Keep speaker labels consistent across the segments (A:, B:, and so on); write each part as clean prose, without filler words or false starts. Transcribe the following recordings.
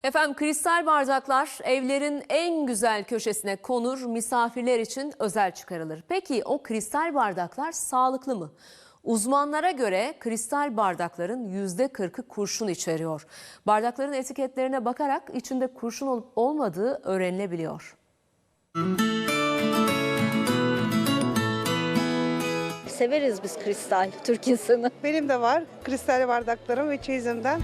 A: Efendim kristal bardaklar evlerin en güzel köşesine konur, misafirler için özel çıkarılır. Peki o kristal bardaklar sağlıklı mı? Uzmanlara göre kristal bardakların %40'ı kurşun içeriyor. Bardakların etiketlerine bakarak içinde kurşun olup olmadığı öğrenilebiliyor.
B: Severiz biz kristal, Türk insanı.
C: Benim de var kristal bardaklarım ve çeyizimden.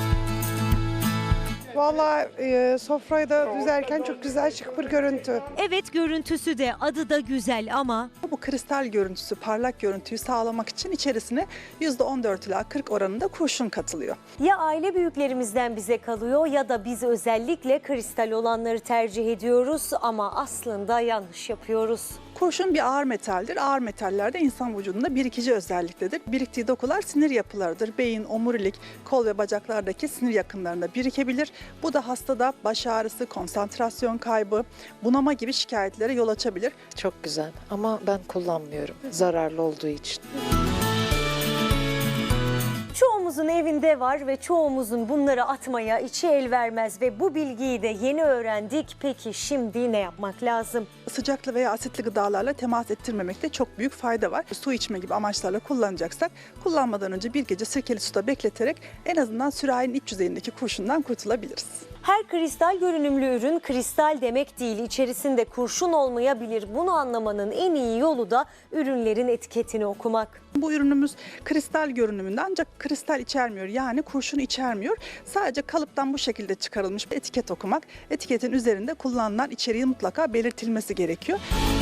C: Vallahi sofrayı da düzerken çok güzel şık bir görüntü.
D: Evet, görüntüsü de adı da güzel ama
E: Bu kristal görüntüsü, parlak görüntüyü sağlamak için içerisine %14 ila 40 oranında kurşun katılıyor.
D: ya aile büyüklerimizden bize kalıyor ya da biz özellikle kristal olanları tercih ediyoruz ama aslında yanlış yapıyoruz.
E: Kurşun bir ağır metaldir. Ağır metaller de insan vücudunda birikici özelliktedir. Biriktiği dokular sinir yapılarıdır. Beyin, omurilik, kol ve bacaklardaki sinir yakınlarında birikebilir. Bu da hastada baş ağrısı, konsantrasyon kaybı, bunama gibi şikayetlere yol açabilir.
F: Çok güzel ama ben kullanmıyorum zararlı olduğu için.
D: Çoğumuzun evinde var ve çoğumuzun bunları atmaya içi el vermez ve bu bilgiyi de yeni öğrendik. Peki şimdi ne yapmak lazım?
E: Sıcaklı veya asitli gıdalarla temas ettirmemekte çok büyük fayda var. Su içme gibi amaçlarla kullanacaksak kullanmadan önce bir gece sirkeli suda bekleterek en azından sürahinin iç yüzeyindeki kurşundan kurtulabiliriz.
D: Her kristal görünümlü ürün kristal demek değil, içerisinde kurşun olmayabilir. Bunu anlamanın en iyi yolu da ürünlerin etiketini okumak.
E: Bu ürünümüz kristal görünümünde ancak kristal içermiyor, yani kurşun içermiyor. Sadece kalıptan bu şekilde çıkarılmış bir etiket okumak, etiketin üzerinde kullanılan içeriği mutlaka belirtilmesi gerekiyor.